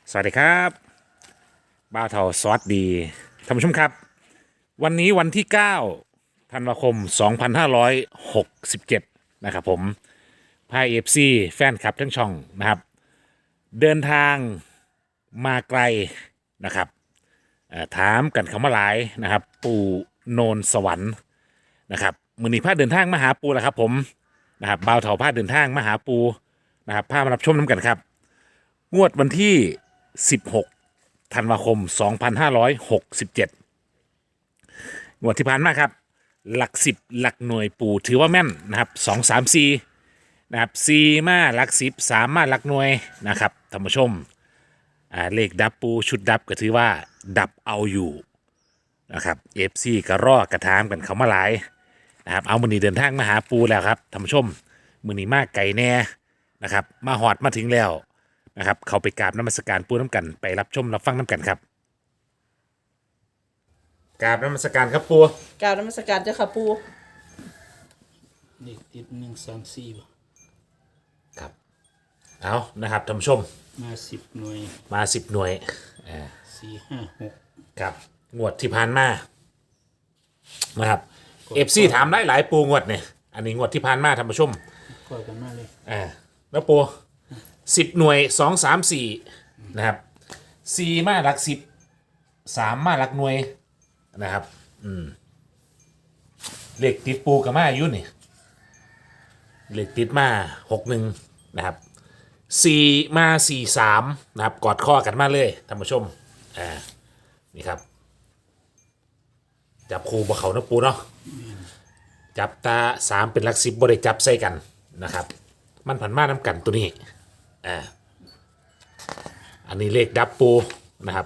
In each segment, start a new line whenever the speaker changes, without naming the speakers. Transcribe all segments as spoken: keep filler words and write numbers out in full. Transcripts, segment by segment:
สวัสดีครับบ้าวเทาซอสดีท่านผู้ชมครับวันนี้วันที่เก้าธันวาคมสองพันห้าร้อยหกสิบเจ็ดนะครับผมพายเอฟซีแฟนคลับทั้งช่องนะครับเดินทางมาไกลนะครับเอ่อถามกันคำว่าหลายนะครับปู่โนนสวรรค์นะครับมือนี้พาเดินทางมาหาปูแล้วครับผมนะครับบ่าวเถาพาเดินทางมาหาปูนะครับพามารับชมน้ำกันครับงวดวันที่สิบหกธันวาคมสองพันห้าร้อยหกสิบเจ็ดงวดที่ผ่านมาครับหลักสิบหลักหน่วยปู่ถือว่าแม่นนะครับสองสามสี่นะครับสี่มาหลักสิบสามมาหลักหน่วยนะครับท่านผู้ชมอ่าเลขดับปูชุดดับก็ถือว่าดับเอาอยู่นะครับเอฟซีก็รอกระทามกันเขามาหลายนะครับเอามือนี้เดินทางมาหาปูแล้วครับท่านผู้ชมมือนี้มากไก่แน่นะครับมาหอดมาถึงแล้วนะครับเขาไปกราบน้ำมัสการปูน้ำกันไปรับชมรับฟังน้ำกันครับกราบน้ำมัสการครับปู
กรารนมัสการเจ้าค่ะปู
เด็กติดหนึ่งสามสี่บ่
ครับเอานะครับท่านผู้ชม
มาสิบหน่วย
มาสิบหน่วยอ่า
สี่ห้าหก
ครับงวดที่ผ่านมานะครับเอฟซีถามได้หลายปูงวดเนี่ยอันนี้งวดที่ผ่านมาท่านผู้ชม
ก็กันมาเลย
อ่าแล้วปูสิบหน่วยสองสามสี่นะครับสี่มาหลักสิบสามมาหลักหน่วยนะครับอืมเลขติดปูกับมาอายุนี่เลขติดมาหกหนึ่งนะครับสี่มาสี่สามนะครับกอดข้อกันมาเลยท่านผู้ชมอ่านี่ครับจับคูบ่เขานะปูเนาะจับตาสามเป็นหลักสิบบริจับใส่กันนะครับมันผันมาน้ำกันตัวนี้อ่าอันนี้เลขดับปูนะครับ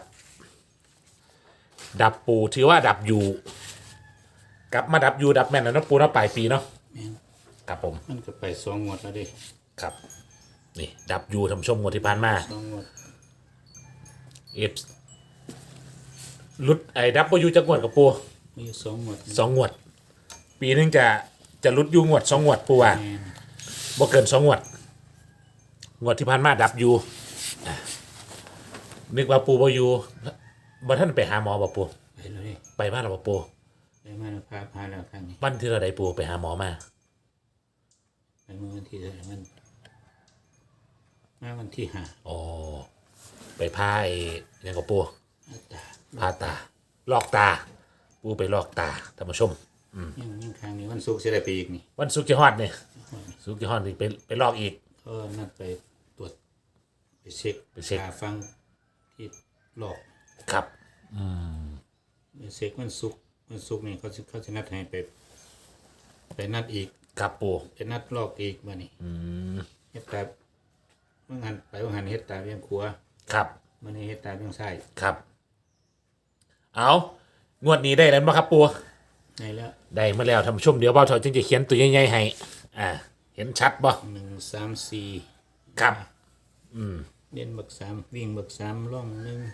ดับปูถือว่าดับอยู่กลับมาดับอยู่ดับแม่นแล้วนะปูเนาะปลายปีเนาะ
แม่น
ครับผม
มันก็ไปสองงวดแล้วเด้
ครับนี่ดับอยู่ทำชมงวดที่ผ่านมา
สองงวด
เอฟลุดไอ้ดับอยู่จะงวดกับปู
มีอยู่สองงวด
สองงวด ปีนึงจะจะลุดอยู่งวดสองงวดปูว่า
แม่น
บ่เกินสองงวดงวดที่ผ่านมาดับอยู่อ่ะนึกว่าปูบ่อยู่บ่ท่านไปหาหมอบ่ปู
ไปแล้วเด้
ไปมาแล้วบ่ปู
ไปมาแล้วพาพาแล้วครั้งนี้
วันที่เราได้ปูไปหาหมอมา
ไปเมื่อวันที่เท่าไหร่มันมาวันที่ห้า
อ๋อไปพาไอ้หยังกับปู
อาตา
พาตาลอกตา ปูไปลอกตาท่านผู้ชม
ยังยังครั้งนี้วันศุกร์จะได้ไปอีกนี่
วันศุกร์จะฮอดเนี่ยศุกร์จะฮอดนี่ไปไปลอกอีก
ก็นัดไปตรวจไปเช็ค
ไปเช็ค
หาฟังที่หลอก
ครับ
ไปเช็ควันศุกร์วันศุกร์นี่เขาจะเขาจะนัดให้ไปไปนัดอีก
ครับปู
ไปนัดลอกอีกมานี่เฮ็ดตาเมื่อหันไปเมื่อหันเฮ็ดตาเบี้ยงขวา
ครับ
มื่อนี้เฮ็ดตาเบี้ยงซ้าย
ครับ เอางวดนี้ได้แล้วไหมครับปู
ได้แล้ว
ได้มาแล้วท่านผู้ชมเดี๋ยวเบาเถอะจึงจะเขียนตัวใหญ่ๆให้อ่าเห็นชัดบ่
หนึ่งสามสี่
ครับ
เด่นบักสามวิ่งบักสามล่องหนึ่ง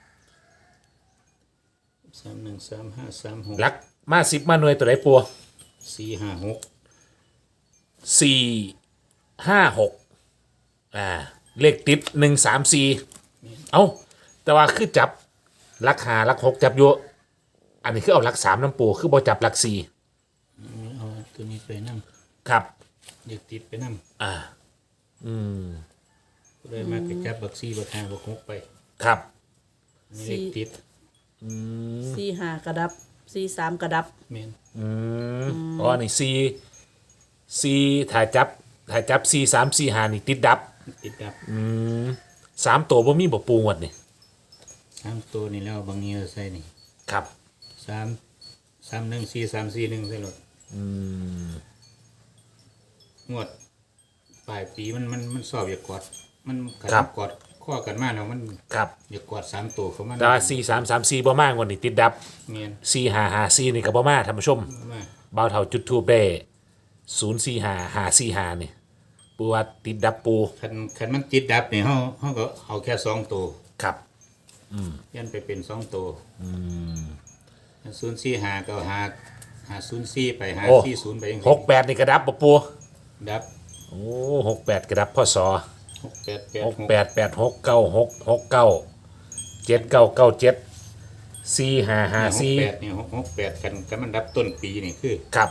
สามหนึ่งสามห้าสามหก
ลักมาสิบมาหน่วยตัวไหนปู
สี่ห้าหก
สี่ห้าหกอ่าเลขติดหนึ่งสามสี่เอาแต่ว่าคือจับลักหาลักหกจับอยู่อันนี้คือเอาลักสามน้ำปูคือบ่จับลักสี่
เอาตัวนี้ไปนั่ง
ครับ
เด็กติดไปนั่ง
อ่า อืม
ก็เลยมาไปจับบักสี่บักห้าบักหกไป
ครับ
นี่เด็กติด
สี่ห้ากระดับสี่สามกระดับ
แม่น
อืมอ๋อนี่สี่สี่ถ่ายจับถ่ายจับสี่สามสี่หานี่ติดดับ
ติดดับ
อืมสามตัวบ่มีบ่ปูงวดนี่
สามตัวนี่แล้วบางเงี้ยใส่นี่
ครับ
สามสามหนึ่งสี่สามสี่หนึ่งใส่รถ
อืม
งวดปลายปีมันมันมันสอบอย่ากอดมันกัดกอดข้อกันมาแล้วมัน
ครับ
อย่ากอดสามตัวเขามัน
แต่ว่าสี่สามสามสี่บ่มากกว่านี่ติดดับ
เมียน
สี่หาหาสี่นี่ก็บ่มาท่านผู้ชม
มา
บ่าวเท่าจุดทูบได้ศูนย์สี่หาหาสี่หานี่ปูว่าติดดับปู
คันคันมันติดดับเนี่ยเขาเขาก็เอาแค่สองตัว
ครับ
ยันไปเป็นสองตัวศูนย์สี่หาก็หาหาศูนย์สี่ไปหา
โอ้
สี่ศูนย์ไปยัง
หกแปดนี่กระดับบ่ปู
ดับ
โอ้หกแปดกระดับพ่อสอ
หกแปดแปด
หกแปดแปดหกเก้าหกหกเก้าเจ็ดเก้าเก้าเจ็ดสี่ห้าห้า
หก
สี่
แปดนี่หกหกแปดกันกันมันดับต้นปีนี่คือ
ครับ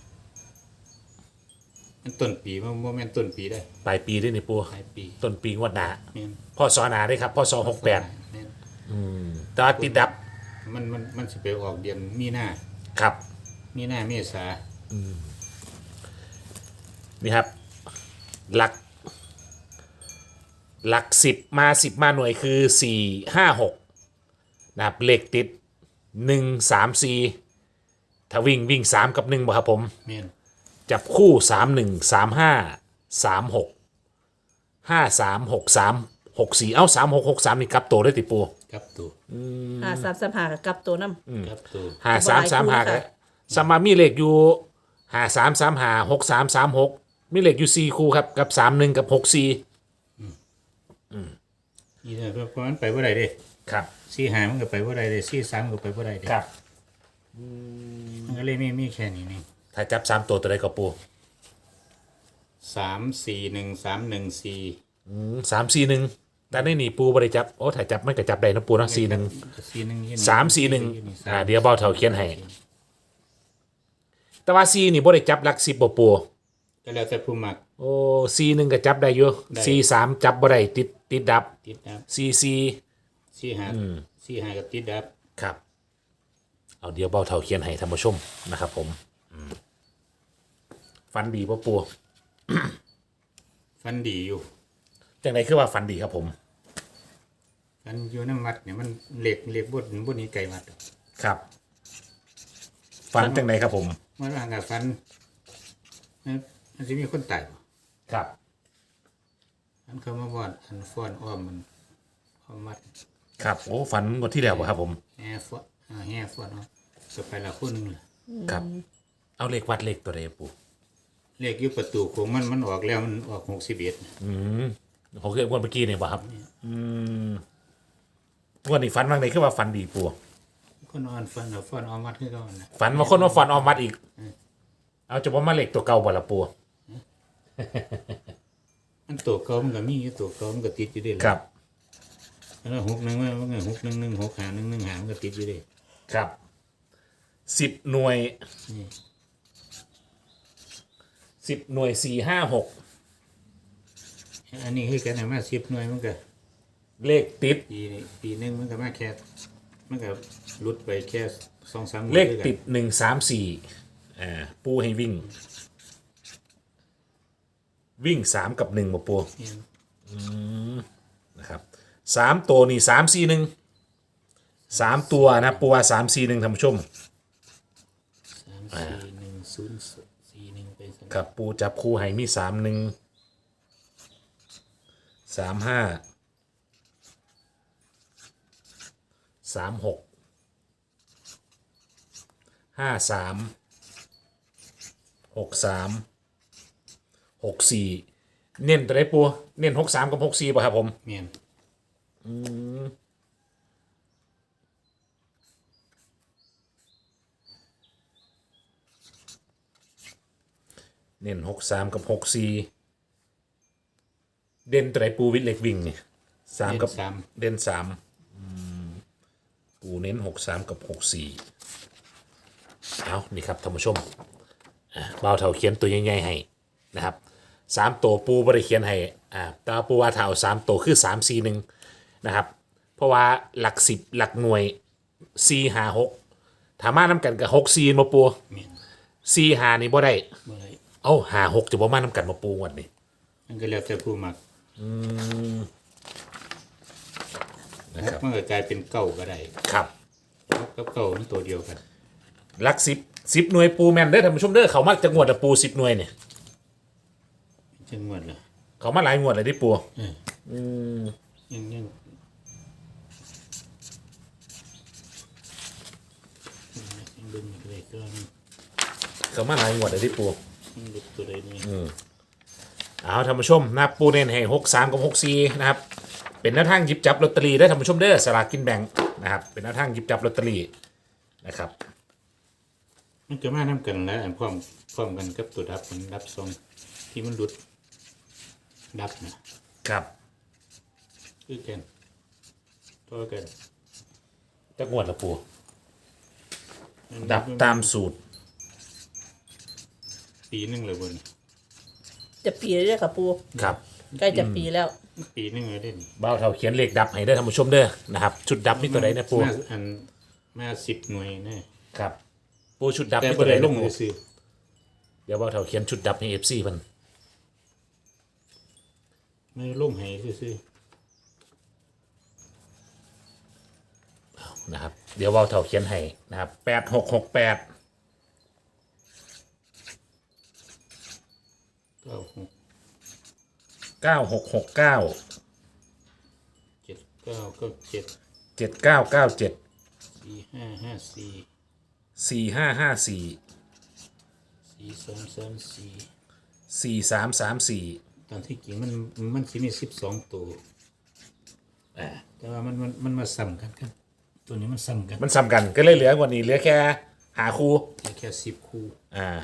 มันต้นปีมันโมเมนต์ต้นปีได้
ปลายปีด้วยนี่ปู
ปลายปี
ต้นปีงวดหนา
แม่น
พ่อสอหนาได้ครับพ่อสอหกแปด
แม่น
ตาติดดับ
มันมันมันสิไปออกเดือนมีนา
ครับ
มีนาเมษา
นี่ครับ หลัก หลักสิบมาสิบมาหน่วยคือสี่ห้าหกนะครับเลขติดหนึ่งสามสี่ถ้าวิ่งวิ่งสามกับหนึ่งบ่ครับผม
แม่น
จับคู่สามหนึ่งสามห้าสามหกห้าสามหกสามหกสี่เอ้าสามหกหกสามนี่กลับตัวได้ติปู
ครับตัว
หาสามสามหากับกลับตัวน้
ครับตัว
หาสามสามหา
ค่ะ
สมามีเลขอยู่หาสามสามหาหกสามสามหกมีเลขอยู่สี่คู่ครับกับสามหนึ่งกับหกสี่
นี่เนี่ยเพราะมันไปว่าไรเด้
ครับ
สี่หามันก็ไปว่าไรเด้สี่สามก็ไปว่าไรเด้
ครับ
มันก็เลยไม่มีแค่นี้นี่
ถ้าจับสามตัวตัวใดก็ปู
สามสี่หนึ่งสามหนึ่งสี่
สามสี่หนึ่งแต่ในนี่ปูบริจับโอ้ถ้าจับไม่ก็จับได้นะปูนะสี่หนึ่ง
สี่หนึ่ง
สามสี่หนึ่งอ่าเดี๋ยวเบาเท่าเขียนให้แต่ว่าสี่นี่บริจับหลักสิบบ่ปู
ก็แล้วแต่ผู้มัก
โอ้สี่หนึ่งก็จับได้อยู่
ได้
สี่สามจับบ่ได้ติดติดดับ
ติดดับ
สี่สี่
สี่หาสี่หากับติดดับ
ครับ เอาเดี๋ยวเบาเท่าเขียนให้ท่านผู้ชมนะครับผมอืมฟันดีป่ะปู
ฟันดีอยู่
จังไดคือว่าฟันดีครับผม
ฟันอยู่น้ำวัดเนี่ยมันเหล็กเหล็กบดบดนี้ไก่วัด
ครับ ฟันจังไดครับผม
มันว่ากับฟันมันจะมีคนตายบ่
ครับ
อันเขามาบอดอันฟ้อนอ้อมมันอ้อมมัด
ครับโอ้ฟันงวดที่แล้วบ่ครับผม
แห่ฟ้อนอ่าแห่ฟ้อนอ้อมก็ไปละคนหนึงเลย
ครับ เอาเลขวัดเลขตัวใดปู
เลขอยู่ประตูของมันมันออกแล้วมันออกหกสิบเอ็ด
อืมผมเคยวันเมื่อกี้เนี่ยบ่ครับ อืมงวันนี้ฟันว่างไดคือว่าฟันดีปู
คนอ่อนฟันเอาฟ้อนอ้อมมัดขึ้นก่อนนะ
ฝันว่าคนมาฟันออมมัดอีก เอาจะว่ามาเลขตัวเก่าบ่ละปู
มันตัวเก่ามันก็มีอยู่ตัวเก่ามันก็ติดอยู่เด้ล่ะ
ครับ
แล้วหกหนึ่งมันก็หกหนึ่งหนึ่งหกหาหนึ่งหนึ่งหามันก็ติดอยู่เด้
ครับสิบหน่วย
นี่
สิบหน่วยสี่ห้าหก
อันนี้คือกันนะมาสิบหน่วยมันก็
เลขติด
ปีนี้ปีหนึงมันก็มาแค่มันก็หลุดไปแค่สองสามหมื่น
เลข
ด้วยกัน
ติดหนึ่งสามสี่อ่าปูให้วิ่ง วิ่งสามกับหนึ่งมาปู
เนี่ย
นะครับสามตัวนี่สามสี่หนึ่งสามตัวนะปูว่าสามสี่หนึ่งท่านผู้ชม
สามสี่หนึ่งศูนย์สี่หนึ่งไปส
ครับปูจับคู่ให้มีสามหนึ่งสามห้าสามหกห้าสามหกสามหกสี่เน้นตัวไหนปูเน้นหกสามกับหกสี่ป่ะครับผม
เมียน
เน้นหกสามกับหกสี่เด่นตัวไหนปูวิทย์เล็กวิ่งนี่สามกับ
สาม
เด่นสามอืมปูเน้นหกสามกับหกสี่เอานี่ครับท่านผู้ชมอ่ะเบาเท่าเขียนตัวใหญ่ๆให้นะครับสามตัวปูบริเขียนให้อ่าแตว่าปูว่าเท่าสามตัวคือสามสี่หนึ่งนะครับ เพราะว่าหลักสิบหลักหน่วยสี่หาหกถามาน้ำกันกับหกสี่มาปู
เมียน
สี่หานี่บ่ได้
เมื่อไร
เอ้าหาหกจะบ่มาน้ำกันมาปูวันนี้
มันก็แล้วแต่ผู้มัก
นะครับ
มันก็กลายเป็นเก้าก็ได้
ครับ
หกกับเก้ามันตัวเดียวกัน
หลักสิบสิบหน่วยปูแมนเด้อท่านผู้ชมเด้อเขามาจะงวดละปูสิบหน่วยเนี่ย
จังหวัดละ
เขามาหลายงวดเลยที่ปู
เออยังยังยังดึงอะไรก็นี่
เขามาหลายงวดเลยที่ปู
ยังดึงตัวใดนี่
เอาท่านผู้ชมนะปูเน้นให้หกสามกับหกสี่นะครับเป็นแนวทางหยิบจับลอตเตอรี่ได้อท่านผู้ชมเด้อสลากกินแบ่งนะครับเป็นแนวทางหยิบจับลอตเตอรี่นะครับ
มันจะมาน้ำกันแล้วอันพร้อมพร้อมกันกับตัวดับมันดับทรงที่มันหลุดดับนะ
ครับ
คือแกันตัวกัน
จะงวดละปูดับตามสูตร
ปีหนึงเลยบน
จะปีแล้วค่ะปู
ครับ
ใกล้จะปีแล้ว
ปีหนึงเลยเด่น
เบ้าเท่าเขียนเลขดับให้ได้อท่านผู้ชมเด้อนะครับชุดดับนี่ตัวใดนะปู
มาอันมาสิบหน่วยแน่
ครับปูชุดดับ
แต่
นี่
บ่
ตัวใด
ได้ล
นะ
ง
ปู
เลยซื้อ
เดี๋ยวเบ้าเท่าเขียนชุดดับให้เอฟซีมัน
ไม่ลงให้ซื้อ
นะครับเดี๋ยวเบ้าเท่าเขียนให้นะครับแปดหกหกแปด
เก้าหก
เก้าหกหกเก้า
เจ็ดเก้าเก้าเจ็ด
เจ็ดเก้าเก้าเจ็ด
สี่ห้าห้าสี่
สี่ห้าห้าสี่
สี่สามสามสี่
สี่สามสามสี่
ตามที่จริงมันมันสิมีสิบสองตัวแต่ว่ามันมันมันมาซ้ำกันกันตัวนี้มันซ้ำกัน
มันซ้ำกันก็เลยเหลือกว่านี้เหลือแค่หาคู่
มีแค่สิบคู่
อ่า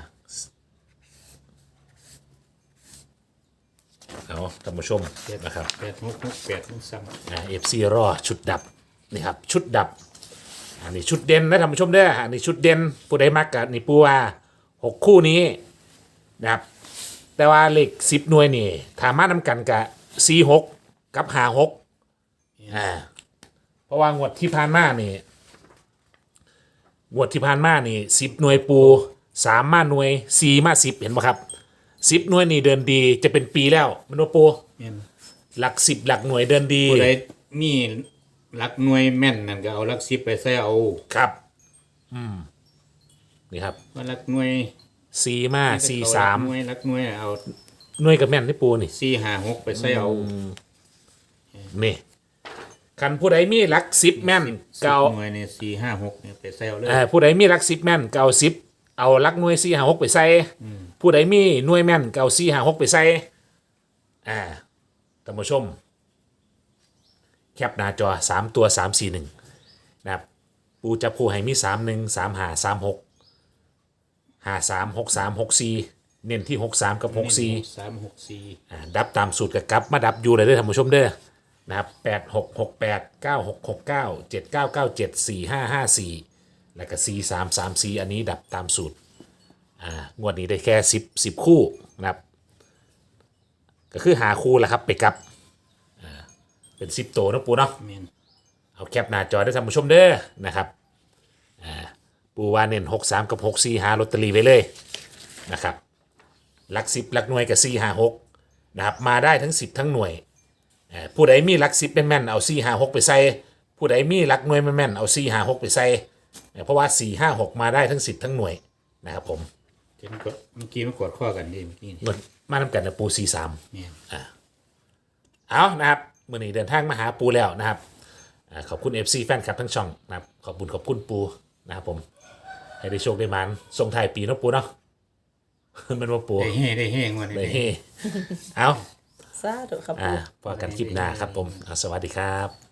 เอาท่านผู้ชมนะครับ
แปดหกหกแปดมันซ้ำ
อ่าเอฟซีรอชุดดับนี่ครับชุดดับอันนี้ชุดเด่นนะท่านผู้ชมเด้ออันนี้ชุดเด่นผู้ใดมักกับนี่ปูว่าหกคู่นี้นะครับแต่ว่าเลขสิบหน่วยนี่ถามานำกันกับสี่หกกับหาหกอ่าเพราะว่างวดที่ผ่านมานี่งวดที่ผ่านมานี่สิบหน่วยปูสามมาหน่วยสี่มาสิบเห็นไหมครับสิบหน่วยนี่เดินดีจะเป็นปีแล้วมันว่าปู
แม่น
หลักสิบหลักหน่วยเดินดี
ผู้ใดมีหลักหน่วยแม่นนั่นก็เอาหลักสิบไปใส่เอา
ครับ อืม นี่ครับ
ว่าหลักหน่วย
สี่มาสี่สาม
หน่วยหลักหน่วยเอา
หน่วยกับแม่นที่ปูนี่
สี่ห้าหกไปใส่เอา
นี่คันผู้ใดมีหลักสิบแม่น
สิบ
เก่า
หน่วยเนี่ยสี่ห้าหกเนี่ยไปใส่เอาเลย
เอ่อผู้ใดมีหลักสิบแม่นเก่าสิบเอาหลักหน่วยสี่หาหกไปใส่ผู้ใดมีหน่วยแม่นเก่าสี่หาหกไปใส่อ่าท่านผู้ชม แคปหน้าจอสามตัวสามสี่หนึ่งนะครับปูจะผู้ให้มีสามหนึ่งสามหาสามหกหาสามหกสามหกสี่เน้นที่หกสามกับหกสี่
สามหกสี่
อ่าดับตามสูตรกับกลับมาดับอยู่เลยเด้อท่านผู้ชมเด้อนะครับแปดหกหกแปดเก้าหกหกเก้าเจ็ดเก้าเก้าเจ็ดสี่ห้าห้าสี่แล้วก็สี่สามสามสี่อันนี้ดับตามสูตรอ่างวดนี้ได้แค่สิบสิบคู่นะครับก็คือหาคู่แหละครับไปกลับอ่าเป็นสิบตัวนะปูเนาะ
แม่น
เอาแคปหน้าจอได้ท่านผู้ชมเด้อนะครับอ่าปูว่าเน้นหกสามกับหกสี่หาลอตเตอรี่ไว้เลยนะครับหลักสิบหลักหน่วยกับสี่ห้าหกนะครับมาได้ทั้งสิบทั้งหน่วยอ่าผู้ใดมีหลักสิบแม่นๆเอาสี่ห้าหกไปใส่ผู้ใดมีหลักหน่วยแม่นๆเอาสี่ห้าหกไปใส่อ่าเพราะว่าสี่ห้าหกมาได้ทั้งสิบทั้งหน่วยนะครับผม
เห็นกดเมื่อกี้มันกดข้อกันดีเมื่อกี้นี่
เงินมาทำกันนะปูสี่สาม
แม่น
เอานะครับมื่อนี้เดินทางมาหาปูแล้วนะครับอาขอบคุณ เอฟ ซี แฟนคลับทั้งช่องนะครับขอบคุณขอบคุณปูนะครับผมให้ได้โชคได้มันส่งท้ายปีเนาะปูเนาะ มันว่าปู
ได้เฮ่ได้เฮ่งวัน
เลย
นี้
เฮ้เอา
สาธุครับ
อ่า
ปู
พอกันคลิปหน้าครับผมอ่าสวัสดีครับ